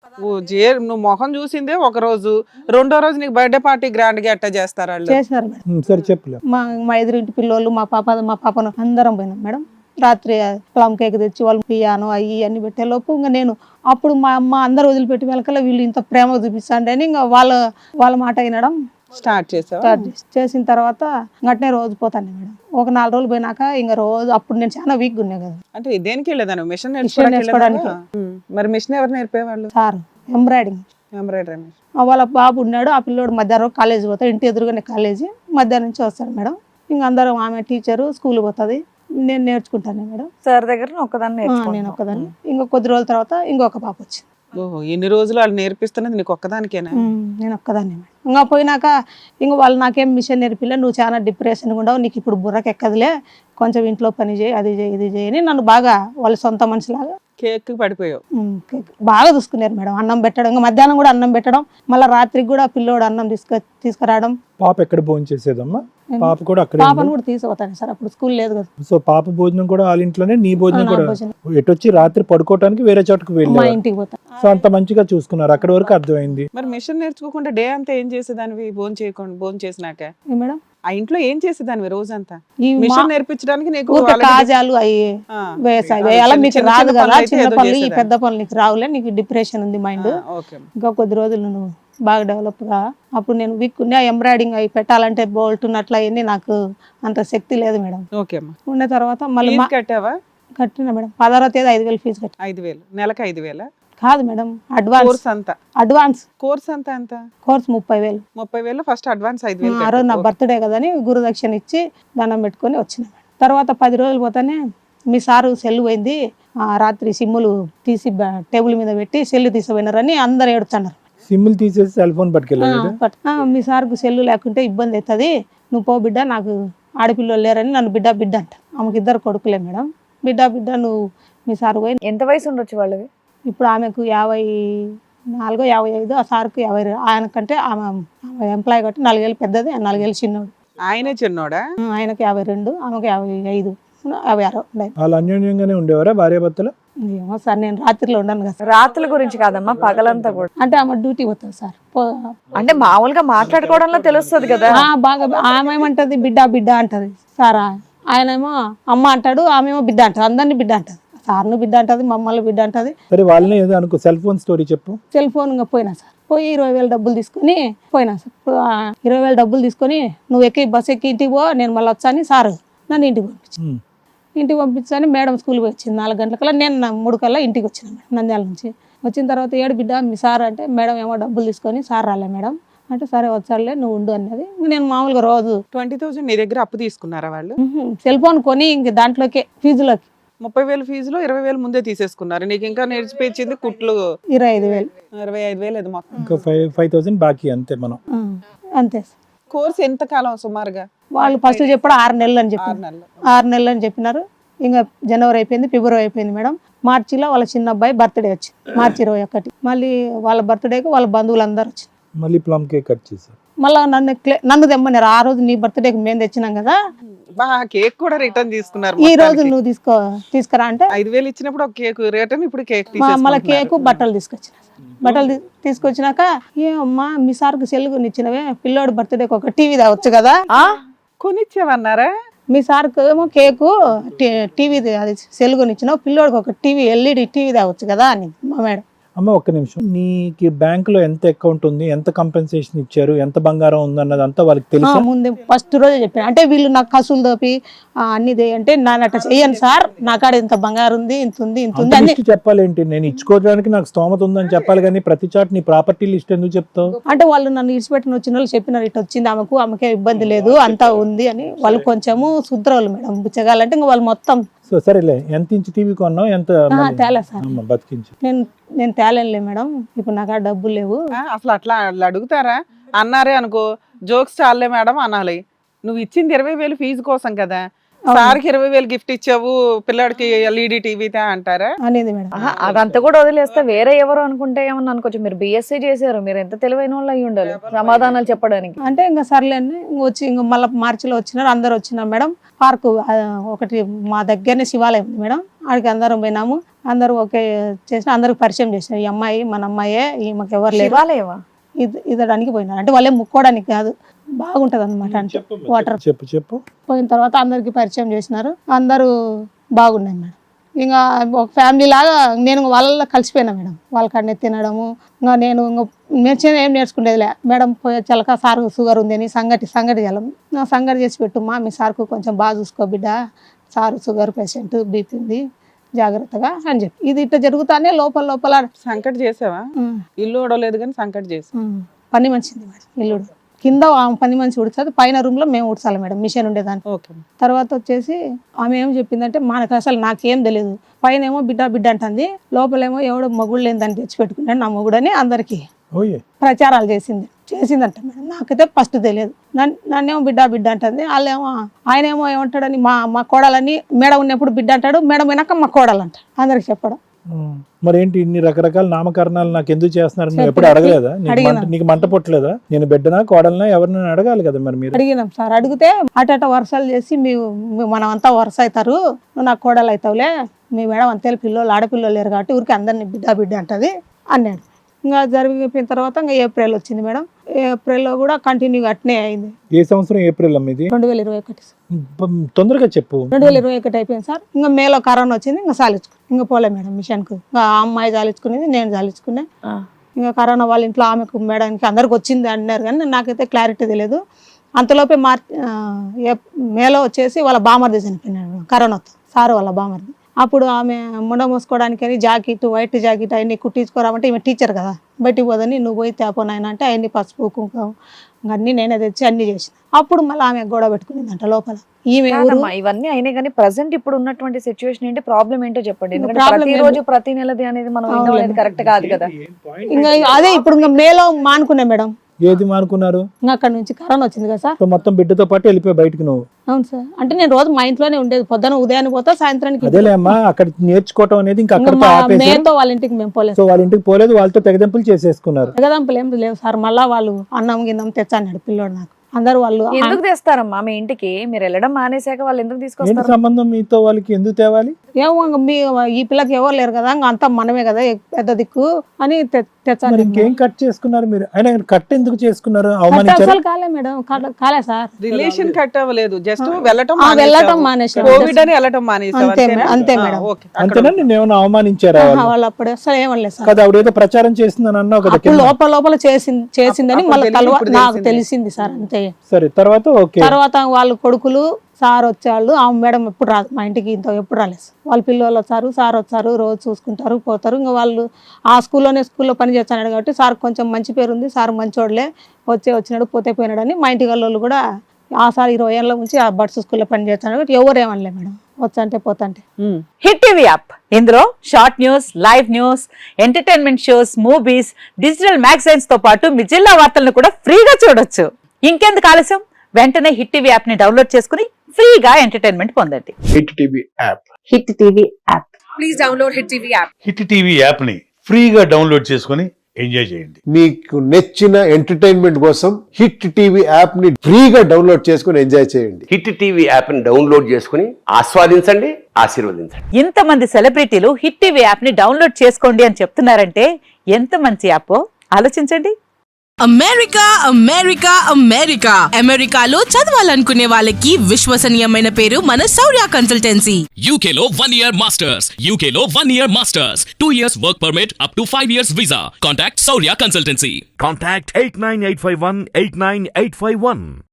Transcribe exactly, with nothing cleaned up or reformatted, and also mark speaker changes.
Speaker 1: ఓ జే నువ్వు మొహం చూసిందే ఒక రోజు, రెండో రోజు నీకు బర్త్డే పార్టీ గ్రాండ్ గా ఎట్టా చేస్తారు వాళ్ళు?
Speaker 2: చేసినారు మేడం.
Speaker 3: ఉమ్, సరే చెప్పలే.
Speaker 2: మా మా ఎదురింటి పిల్లోళ్ళు మా పాప మా పాపను అందరం పోయినాం మేడం. రాత్రి ప్లమ్ కేక్ తెచ్చి వాళ్ళు పియాను అవి అన్ని పెట్టే లోపు ఇంకా నేను అప్పుడు మా అమ్మ అందరు వదిలిపెట్టి వెళ్ళకల్లా వీళ్ళు ఇంత ప్రేమ చూపిస్తాండి అని ఇంకా వాళ్ళ వాళ్ళ మాట వినడం
Speaker 1: స్టార్ట్ చేసావా?
Speaker 2: స్టార్ట్ చేసి చేసిన తర్వాత గట్నే రోజు పోతాను మేడం. ఒక నాలుగు రోజులు పోయినాక ఇంకా రోజు అప్పుడు నేను చాలా వీక్గా ఉన్నా కదా.
Speaker 1: అంటే దేనికి వెళ్ళేదాను? మిషన్
Speaker 2: మిషన్
Speaker 1: నేర్చుకోవడానికి.
Speaker 2: నేర్చుకోవడానికి.
Speaker 1: మరి మిషన్ ఎవరు నేర్పేవాళ్ళు?
Speaker 2: Sir embroidering
Speaker 1: embroidery machine.
Speaker 2: వాళ్ళ బాబు ఉన్నాడు, ఆ పిల్లోడు మధ్యాహ్నం కాలేజీ పోతాడు, ఇంటి ఎదురుగానే కాలేజీ, మధ్యాహ్నం నుంచి వస్తాడు మేడం. ఇంకా అందరం ఆమె టీచరు స్కూల్ పోతుంది, నేను నేర్చుకుంటాను మేడం.
Speaker 4: సార్ దగ్గర ఒక్కదాన్ని
Speaker 2: ఆ, నేను ఒక్కదాన్ని. ఇంకా కొద్ది రోజుల తర్వాత ఇంకొక పాప వచ్చింది.
Speaker 1: ఓహో, ఎన్ని రోజులు వాళ్ళు నేర్పిస్తున్నది నీకు ఒక్కదానికేనా?
Speaker 2: ఉమ్, నేను ఒక్కదాన్ని మేడం. ఇంకా పోయినాక ఇంకా వాళ్ళు నాకేం మిషన్ నేర్పిలే, నువ్వు చాలా డిప్రెషన్గా ఉండవు, నీకు ఇప్పుడు బుర్రకి ఎక్కదులే, కొంచెం ఇంట్లో పని చేయి, అది చేయి ఇది చేయని నన్ను బాగా వాళ్ళ సొంత మనిషిలాగా
Speaker 1: కేక్ పడిపోయావు.
Speaker 2: ఉమ్, బాగా చూసుకున్నారు మేడం. అన్నం పెట్టడం, ఇంకా మధ్యాహ్నం కూడా అన్నం పెట్టడం, మళ్ళీ రాత్రికి కూడా పిల్లోడు అన్నం తీసుకు తీసుకురావడం.
Speaker 3: పాప ఎక్కడ భోజనం చేసేదమ్మా? పాప కూడా అక్కడ
Speaker 2: పాపను కూడా తీసుకుపోతాను సార్, అప్పుడు స్కూల్ లేదు కదా.
Speaker 3: సో పాప భోజనం కూడా వాళ్ళ ఇంట్లోనే, నీ భోజనం
Speaker 2: నా
Speaker 3: కూడా
Speaker 2: భోజనం.
Speaker 3: ఎటొచ్చి రాత్రి పడుకోవడానికి వేరే చోటకు
Speaker 2: మా
Speaker 3: వెళ్ళారు.
Speaker 2: ఇంటికి పోతాను.
Speaker 3: సో అంత మంచిగా చూసుకున్నారు, అక్కడ వరకు అర్థమైంది.
Speaker 1: మరి మిషన్ నేర్చుకోకుండా డే అంతా ఏం చేసేదానివి? భోజనం చేయకుండా భోజనం చేసినాక
Speaker 2: ఏ మేడం
Speaker 1: ఆ ఇంట్లో ఏం చేసేదానివి రోజంతా?
Speaker 2: ఈ మా-
Speaker 1: మిషన్ నేర్పించడానికి నీకు
Speaker 2: ఊరికే
Speaker 1: already-
Speaker 2: కాజాలు అవి
Speaker 1: ఆ,
Speaker 2: వేసాయి
Speaker 1: అదే
Speaker 2: వేయాలా,
Speaker 1: చిన్న
Speaker 2: మీకు
Speaker 1: చిన్న
Speaker 2: రాదు
Speaker 1: చిన్న
Speaker 2: కదా,
Speaker 1: పనులు అయితే
Speaker 2: చిన్న
Speaker 1: ఏదో
Speaker 2: పనులు, ఈ
Speaker 1: చేసేదాన్ని.
Speaker 2: పెద్ద పనులు నీకు రావులే, నీకు డిప్రెషన్ ఉంది మైండ్,
Speaker 1: ఆ, ఓకే.
Speaker 2: ఇంకా కొద్ది రోజులు నువ్వు బాగా డెవలప్ గా. అప్పుడు నేను వీక్ ఉన్నా, ఎంబ్రాయిడింగ్ అవి పెట్టాలంటే బోల్ట్ ఉన్నట్లు అవన్నీ నాకు అంత శక్తి లేదు మేడం.
Speaker 1: ఓకే అమ్మా.
Speaker 2: ఉన్న తర్వాత మళ్ళీ
Speaker 1: ఫీజు
Speaker 2: మా-
Speaker 1: కట్టావా?
Speaker 2: కట్టిన మేడం, పదహారో తేదీ ఐదు వేలు ఫీజు కట్టి.
Speaker 1: ఐదు వేలు నెలకి ఐదు వేల
Speaker 2: కాదు మేడం, అడ్వాన్స్
Speaker 1: కోర్స్ అంతా.
Speaker 2: అడ్వాన్స్
Speaker 1: కోర్స్ అంతా ఎంత?
Speaker 2: కోర్స్ ముప్పై వేలు.
Speaker 1: ముప్పై వేలు ఫస్ట్ అడ్వాన్స్ ఐదు వేలు
Speaker 2: ఆ రోజు నా
Speaker 1: కట్టావు.
Speaker 2: బర్త్డే కదని గురుదక్షిణ ఇచ్చి దండం పెట్టుకొని వచ్చిన మేడం. తర్వాత పది రోజులు పోతానే మీ సారు సెల్ పోయింది, ఆ రాత్రి సిమ్ములు తీసి బ- టేబుల్ మీద పెట్టి సెల్ తీసిపోయినారని అందరు ఏడుతున్నారు.
Speaker 3: సిమ్ములు తీసేసి సెల్ ఫోన్ పట్టుకెళ్ళాడు.
Speaker 2: పట్- ఆ, మీ సార్కు సెల్లు లేకుంటే ఇబ్బంది అవుతుంది, నువ్వు పో బిడ్డ, నాకు ఆడపిల్లలు లేరని నన్ను బిడ్డ బిడ్డ అంట. ఆమెకి ఇద్దరు కొడుకులే మేడం. బిడ్డ బిడ్డ నువ్వు మీ సార్ పోయి,
Speaker 4: ఎంత వయసు ఉండొచ్చు వాళ్ళవి?
Speaker 2: ఇప్పుడు ఆమెకు యాభై నాలుగో యాభై ఐదు, ఆ సార్కు యాభై రెండు. ఆయనకంటే ఆమె ఆమె ఎంప్లాయ్ కాబట్టి నాలుగేళ్ళు పెద్దది, ఆ నాలుగేళ్ళు చిన్నోడు.
Speaker 1: ఆయనే చిన్నోడా?
Speaker 2: ఆ, ఆయనకు యాభై రెండు, ఆమెకు యాభై ఐదు యాభై ఆరు ఉండేది.
Speaker 3: వాళ్ళు అన్యోన్యంగానే ఉండేవారా భార్యాభర్తలు?
Speaker 2: ఏమో సార్, నేను రాత్రిలో ఉండను కదా సార్.
Speaker 4: రాత్రుల గురించి కాదమ్మా, పగలంతా కూడా.
Speaker 2: అంటే ఆమె డ్యూటీ పోతుంది సార్. పో-
Speaker 4: అంటే మామూలుగా మాట్లాడుకోవడంలో తెలుస్తుంది కదా.
Speaker 2: ఆ, బాగా ఆమె ఏమంటది బిడ్డ బిడ్డ అంటది సారా, ఆయనేమో అమ్మ అంటాడు, ఆమెమో బిడ్డ అంటది, అందరినీ బిడ్డ అంటది. సార్ను బిడ్డ అంటది, మమ్మల్ని బిడ్డ అంటది.
Speaker 3: సరే వాళ్ళని ఏదో అనుకో, సెల్ ఫోన్ స్టోరీ చెప్పు.
Speaker 2: సెల్ ఫోన్ ఇంకా పోయినా సార్, పోయి ఇరవై వేలు డబ్బులు తీసుకొని పోయినా సార్. ఆ, ఇరవై వేలు డబ్బులు తీసుకొని నువ్వు ఎక్కి బస్ ఎక్కి ఇంటికి పో, నేను మళ్ళీ వచ్చాను సార్ నన్ను ఇంటికి పంపించి
Speaker 3: ఉమ్.
Speaker 2: ఇంటికి పంపించని మేడం స్కూల్కి వచ్చింది నాలుగు గంటలకల్లా. నేను నా మూడు కల్లా ఇంటికి వచ్చిన మేడం నంద్యాల నుంచి. వచ్చిన తర్వాత ఏడు బిడ్డ మీ సార్ అంటే, మేడం ఏమో డబ్బులు తీసుకొని సార్ రాలే మేడం అంటే, సరే వచ్చాడులే నువ్వు ఉండు అన్నది. నేను మామూలుగా రోజు
Speaker 1: ట్వంటీ థౌసండ్ నీ దగ్గర అప్పు తీసుకున్నారా వాళ్ళు?
Speaker 2: సెల్ ఫోన్ కొని ఇంక దాంట్లోకే ఫీజులోకి
Speaker 1: ముప్పై వేలు ఫీజులో ఇరవై వేలు ముందే తీసేసుకున్నారు. నీకు ఇంకా నేర్చిపోయింది కుట్లు
Speaker 2: ఇరవై ఐదు వేలు
Speaker 1: ఇరవై ఐదు వేలు అది మొత్తం.
Speaker 3: ఇంకా ఫైవ్ ఫైవ్ థౌసండ్ బాకీ అంతే మనం.
Speaker 2: ఆ, అంతే సార్.
Speaker 1: కోర్స్ ఎంత కాలం సుమారుగా?
Speaker 2: వాళ్ళు ఫస్ట్ చెప్పడం ఆరు నెలలు అని
Speaker 1: ఆరు
Speaker 2: చెప్పారు.
Speaker 1: నెలలు.
Speaker 2: ఆరు నెలలు అని చెప్పినారు. ఇంకా జనవరి అయిపోయింది, ఫిబ్రవరి అయిపోయింది మేడం. మార్చిలో వాళ్ళ చిన్న అబ్బాయి బర్త్డే వచ్చింది, మార్చి ఇరవై ఒకటి. మళ్ళీ వాళ్ళ బర్త్డేకి వాళ్ళ బంధువులు అందరూ వచ్చింది.
Speaker 3: మళ్ళీ ప్లమ్ కేక్ కట్ చేశారు.
Speaker 2: మళ్ళీ నన్ను క్లే- నన్ను తెమ్మన్నారు. ఆ రోజు నీ బర్త్డేకి మేము తెచ్చినాం కదా,
Speaker 1: బా కేక్ కూడా రిటర్న్ తీసుకున్నారు.
Speaker 2: ఈ రోజు
Speaker 1: మొత్తానికి.
Speaker 2: నువ్వు తీసుకో తీసుకురా అంటే
Speaker 1: ఐదు వేలు ఇచ్చినప్పుడు ఒక కేక్ రిటర్న్, ఇప్పుడు కేక్
Speaker 2: మా- మళ్ళీ
Speaker 1: తీసేసుకుంటున్నారు.
Speaker 2: కేకు బట్టలు తీసుకొచ్చిన బట్టలు తీ- తీసుకొచ్చినాక ఏమమ్మా మీ సార్కు సెల్ కొనిచ్చినవే, పిల్లోడు బర్త్డేకి ఒక టీవీ తావచ్చు కదా,
Speaker 4: ఆ
Speaker 1: కొనిచ్చావన్నారా?
Speaker 2: మీ సార్కు ఏమో కేకు టీవీ అది సెల్ కొనిచ్చినావు, పిల్లోడికి ఒక టీవీ ఎల్ఈడి టీవీ తావచ్చు కదా అని మా మేడం.
Speaker 3: అమ్మ ఒక్క నిమిషం, నీకు బ్యాంక్ లో ఎంత అకౌంట్ ఉంది, ఎంత కంపెన్సేషన్ ఇచ్చారు, ఎంత బంగారం ఉంది అన్నది అంతా వాళ్ళకి
Speaker 2: ఆ,
Speaker 3: తెలుసా?
Speaker 2: ముందే ఫస్ట్ రోజే చెప్పాను. అంటే వీళ్ళు నాకు కసులు దోపి ఆ, అన్ని దే అంటే నాన్న అట్లా చెయ్యను సార్, నా కాడ ఇంత బంగారు ఉంది, ఇంత ఉంది, ఇంత
Speaker 3: అంత
Speaker 2: ఉంది అన్ని.
Speaker 3: లిస్ట్ చెప్పాలేంటి? నేను ఇచ్చుకోవడానికి నాకు స్తోమత ఉందని చెప్పాలి కానీ ప్రతి చాట్ నీ ప్రాపర్టీ లిస్ట్ ఎందుకు చెప్తావు?
Speaker 2: అంటే వాళ్ళు నన్ను ఇడిచిపెట్టిన వచ్చిన వాళ్ళు చెప్పినారు, ఇటు వచ్చింది ఆమెకు, ఆమెకే ఇబ్బంది లేదు, అంతా ఉంది అని. వాళ్ళు కొంచెము శుద్రవాళ్ళు మేడం, బుచ్చగాలంటే ఇంకా వాళ్ళు మొత్తం.
Speaker 3: సో సరేలే, ఎంత ఇంచు టీవీ కొన్నావు, ఎంత
Speaker 2: ఆ,
Speaker 3: మళ్ళీ?
Speaker 2: తేలే సార్,
Speaker 3: అమ్మ, బతికించు.
Speaker 2: నేను నేను తేలేనులే మేడం, ఇప్పుడు నాకు ఆ డబ్బులు లేవు.
Speaker 1: ఆ, అసలు అట్లా అట్లా అడుగుతారా? అన్నారే అనుకో, జోక్స్ చాలే మేడం అనాలి. నువ్వు ఇచ్చింది ఇరవై వేలు ఫీజు కోసం కదా, సార్కి ఇరవై వేలు గిఫ్ట్ ఇచ్చావు, పిల్లాడికి ఎల్ఈడి టీవీ తే అంటారా?
Speaker 2: అనేది మేడం.
Speaker 4: ఆహా, అదంతా కూడా వదిలేస్తే వేరే ఎవరు అనుకుంటే ఏమన్నా అనుకోవచ్చు. మీరు బిఎస్సీ చేశారు, మీరు ఎంత తెలివైన వాళ్ళు అయి ఉండాలి సమాధానాలు చెప్పడానికి.
Speaker 2: అంటే ఇంకా సర్లేండి, ఇంక వచ్చి ఇంకా మళ్ళీ మార్చిలో వచ్చినారు, అందరు వచ్చినారు మేడం. పార్కు ఆ, ఒకటి మా దగ్గరనే శివాలయం ఉంది మేడం, ఆడికి అందరం పోయినాము. అందరూ ఓకే చేసిన అందరికి పరిచయం చేసినారు. ఈ అమ్మాయి మన అమ్మాయే, ఈమెకు ఎవరు లేరు.
Speaker 4: శివాలయమా?
Speaker 2: ఇది ఇదడానికి పోయినారు. అంటే వాళ్ళే ముక్కోవడానికి కాదు, బాగుంటది అనమాట. అంటే వాటర్
Speaker 3: చెప్పు చెప్పు
Speaker 2: పోయిన తర్వాత అందరికి పరిచయం చేసినారు. అందరూ బాగున్నాయి మేడం. ఇంకా ఒక ఫ్యామిలీ లాగా నేను వాళ్ళలో కలిసిపోయినా మేడం. వాళ్ళ కాడనే తినడము. ఇంకా నేను ఇంకా నేర్చుకుని ఏం నేర్చుకునేదిలే మేడం. పోయే చలక సార్ షుగర్ ఉంది అని సంగటి సంగటి చేయాలి. నా సంగటి చేసి పెట్టుమా, మీ సార్కు కొంచెం బాగా చూసుకో బిడ్డ, సారు షుగర్ పేషెంట్, బీపీ ఉంది, జాగ్రత్తగా అని చెప్పి ఇది ఇట్లా జరుగుతానే లోపల లోపల
Speaker 1: సంకట్ చేసావా?
Speaker 2: ఉమ్,
Speaker 1: ఇల్లు ఓడలేదు కానీ సంకట్ చేసా.
Speaker 2: ఉమ్, పని మంచిది మేడం. ఇల్లుడు కింద ఆమె పని మంచి ఉడుతుంది, పైన రూమ్ లో మేము ఉడచాలి మేడం, మిషన్ ఉండేదాన్ని.
Speaker 1: ఓకే.
Speaker 2: తర్వాత వచ్చేసి ఆమె ఏం చెప్పిందంటే మనకు అసలు నాకేం తెలియదు, పైన ఏమో బిడ్డ బిడ్డ అంటుంది, లోపలేమో ఎవడో మగుడు లేదని తెచ్చిపెట్టుకున్నాడు నా మగుడని అందరికి
Speaker 3: ఓయే
Speaker 2: ప్రచారాలు చేసింది చేసిందంట మేడం. నాకైతే ఫస్ట్ తెలియదు. నన్ను నన్నేమో బిడ్డ బిడ్డ అంటుంది, వాళ్ళేమో ఆయన ఏమో ఏమంటాడని మా మా కోడలని మేడం ఉన్నప్పుడు బిడ్డ అంటాడు, మేడం అయినాక మా కోడలు అంట అందరికి చెప్పడం.
Speaker 3: ఉమ్. మరేంటి ఇన్ని రకరకాల నామకరణాలు నాకు ఎందుకు చేస్తున్నారు? నువ్వు ఎప్పుడు అడగలేదా? నీకు మంట నీకు మంట పుట్టలేదా? నేను బిడ్డనా కోడలనా ఎవరినైనా అడగాలి కదా మరి మీరు.
Speaker 2: అడిగినాం సార్. అడిగితే అటట వరుసలు చేసి మీ మీ- మనం అంతా వరుస అవుతారు, నువ్వు నాకు కోడలు అవుతావులే, మీ మేడం అంతే పిల్లలు ఆడపిల్లలు లేరు కాబట్టి ఊరికి అందరినీ బిడ్డ బిడ్డ అంటది అన్నాడు. ఇంకా జరిగిపోయిన తర్వాత ఇంకా ఏప్రిల్ వచ్చింది మేడం. ఏప్రిల్లో కూడా కంటిన్యూగా అట్నే అయింది.
Speaker 3: ఏ సంవత్సరం ఏప్రిల్ అమ్మ ఇది?
Speaker 2: రెండు వేల ఇరవై ఒకటి
Speaker 3: ఉమ్, తొందరగా చెప్పు.
Speaker 2: రెండు వేల ఇరవై ఒకటి అయిపోయింది సార్. ఇంకా మేలో కరోనా వచ్చింది, ఇంకా సాలించుకు ఇంకా పోలే మేడం మిషన్కు. ఇంకా ఆ అమ్మాయి జాలించుకునేది, నేను జాలించుకునే. ఇంకా కరోనా వాళ్ళ ఇంట్లో ఆమెకు మేడానికి అందరికి వచ్చింది అన్నారు, కానీ నాకైతే క్లారిటీ తెలియదు. అంతలోపే మార్చి మేలో వచ్చేసి వాళ్ళ బామర్ది చనిపోయినాడు కరోనాతో, సారు వాళ్ళ బామర్ది. అప్పుడు ఆమె ముండ మోసుకోవడానికి జాకెట్, వైట్ జాకెట్ అవన్నీ కుట్టించుకోరామంటే ఈమె టీచర్ కదా, బయటికి పోదని నువ్వు పోయి తేపోనాయన అంటే అవన్నీ పసుపు కుంకుమ అన్నీ నేనే తెచ్చి అన్ని చేసిన. అప్పుడు మళ్ళీ ఆమె గొడవ పెట్టుకునేదంట లోపల. ఈమె ఊరు
Speaker 4: కాదమ్మా, ఇవన్నీ అయినాయి కానీ ప్రజెంట్ ఇప్పుడు ఉన్నటువంటి సిచ్యువేషన్ ఏంటి, ప్రాబ్లం ఏంటో చెప్పండి. ఎందుకంటే
Speaker 2: Problem
Speaker 4: ప్రతి రోజు ప్రతి నెలది అనేది మనం వినడం అనేది కరెక్ట్ కాదు కదా.
Speaker 2: ఇంకా అదే ఇప్పుడు ఇంకా మేలో మానుకునే మేడం.
Speaker 3: ఏది మానుకున్నారు?
Speaker 2: ఇంకా అక్కడ నుంచి కరోనా వచ్చింది కదా సార్.
Speaker 3: సో మొత్తం బిడ్డతో పాటు వెళ్ళిపోయి బయటకు నువ్వు?
Speaker 2: అవును సార్. అంటే నేను రోజు మా ఇంట్లోనే ఉండేది, పొద్దున ఉదయాన్ని పోతా సాయంత్రానికి.
Speaker 3: అదేలే అమ్మా, అక్కడ నేర్చుకోవటం అనేది ఇంకా
Speaker 2: ఇంకా
Speaker 3: అక్కడతో
Speaker 2: మా
Speaker 3: ఆపేసి
Speaker 2: మేతో వాళ్ళ ఇంటికి మేము పోలేదు.
Speaker 3: సో వాళ్ళ ఇంటికి పోలేదు, వాళ్ళతో తెగదెంపులు చేసేసుకున్నారు.
Speaker 2: ఎగదంపులు ఏం లేవు సార్. మళ్ళా వాళ్ళు అన్నం గిన్నం తెచ్చాడు పిల్లోడు నాకు. అందరు వాళ్ళు
Speaker 4: ఎందుకు తెస్తారమ్మా మీ ఇంటికి? మీరు వెళ్ళడం మానేశాక వాళ్ళు ఎందుకు
Speaker 3: ఏంటి
Speaker 4: తీసుకొస్తారు?
Speaker 3: సంబంధం మీతో వాళ్ళకి? ఎందుకు తేవాలి?
Speaker 2: ఏమో ఇంక మీ ఈ పిల్లకి ఎవరు లేరు కదా, ఇంకా అంతా మనమే కదా పెద్ద దిక్కు అని తె- తెచ్చాను.
Speaker 3: మరి ఇంకేం కట్ చేసుకున్నారు మీరు? అయినా కట్ ఎందుకు చేసుకున్నారు?
Speaker 2: కట్
Speaker 3: అవమానించారు?
Speaker 2: అసలు కాలే మేడం, కాలే- కాలే సార్.
Speaker 1: రిలేషన్ కట్ అవ్వలేదు, జస్ట్ వెళ్ళటం
Speaker 2: ఆ, వెళ్ళటం మానేసాం.
Speaker 1: కోవిడ్ అని వెళ్ళటం మానేసావు
Speaker 2: అంతే
Speaker 1: అంతేనా?
Speaker 2: మేడం, అంతే
Speaker 1: ఆ,
Speaker 2: మేడం.
Speaker 1: ఓకే.
Speaker 3: అంతేనా? నేను ఏమైనా అవమానించారా?
Speaker 2: ఆహా, వాళ్ళు అప్పుడు అసలు ఏమనలేదు సార్.
Speaker 3: కదా ఆవిడ ఏదో ప్రచారం చేస్తుందని అన్నావు కదా
Speaker 2: అప్పుడు
Speaker 3: కింద.
Speaker 2: లోపల లోపల చేసింది చేసిందని
Speaker 1: అప్పుడు
Speaker 2: మళ్ళీ
Speaker 1: తెలియదు,
Speaker 2: తర్వాత
Speaker 1: ఇప్పుడు
Speaker 2: నాకు
Speaker 1: తెలిసింది.
Speaker 2: తెలిసింది సార్. అంతే.
Speaker 3: సరే తర్వాత ఓకే.
Speaker 2: తర్వాత వాళ్ళు కొడుకులు సార్ వచ్చేవాళ్ళు, ఆ మేడం ఎప్పుడు రాదు మా ఇంటికి, ఇంత ఎప్పుడు రాలేదు. వాళ్ళ పిల్లలు వచ్చారు, సార్ వచ్చారు, రోజు చూసుకుంటారు పోతారు. ఇంకా వాళ్ళు ఆ స్కూల్లోనే స్కూల్లో పని చేస్తున్నాడు కాబట్టి సార్ కొంచెం మంచి పేరు ఉంది, సార్ మంచోడులే, వచ్చే వచ్చినాడు పోతే పోయినాడని మా ఇంటి వాళ్ళు కూడా ఆ సార్ ఇరవై ఏళ్ళ నుంచి ఆ బడ్స్ స్కూల్లో పని చేస్తున్నాడు కాబట్టి ఎవరు ఏమనలే మేడం, వచ్చంటే పోతంటే.
Speaker 1: ఉమ్.
Speaker 5: హిట్ టీవీ యాప్ ఇందులో short news, live news, entertainment shows, movies, digital magazines తో పాటు మీ జిల్లా వార్తలను కూడా ఫ్రీగా చూడొచ్చు. ఇంకెందుకు ఆలస్యం, వెంటనే హిట్ టీవీ యాప్ ని డౌన్లోడ్ చేసుకుని ఫ్రీగా ఎంటర్టైన్మెంట్ పొందండి.
Speaker 6: Hit TV app.
Speaker 5: Hit TV app.
Speaker 7: Hit TV యాప్ని ఫ్రీగా డౌన్లోడ్ చేసుకొని ఎంజాయ్ చేయండి.
Speaker 6: మీకు నచ్చిన ఎంటర్టైన్మెంట్ కోసం హిట్ టీవీ యాప్ ని ఫ్రీగా డౌన్లోడ్ చేసుకుని ఎంజాయ్ చేయండి.
Speaker 8: హిట్ టీవీ యాప్ని డౌన్లోడ్ చేసుకుని ఆస్వాదించండి, ఆశీర్వదించండి.
Speaker 5: ఇంతమంది సెలబ్రిటీలు హిట్ టీవీ యాప్ ని డౌన్లోడ్ చేసుకోండి అని చెప్తున్నారంటే ఎంత మంచి యాప్ ఆలోచించండి.
Speaker 9: అమెరికా అమెరికా అమెరికా అమెరికాలో చదవాలనుకునే వాళ్ళకి విశ్వసనీయమైన పేరు మన శౌర్య కన్సల్టెన్సీ.
Speaker 10: U K లో one year masters, U K లో one year masters, two years work permit up to five years visa. Contact Saurya Consultancy.
Speaker 11: Contact eight nine eight five one eight nine eight five one.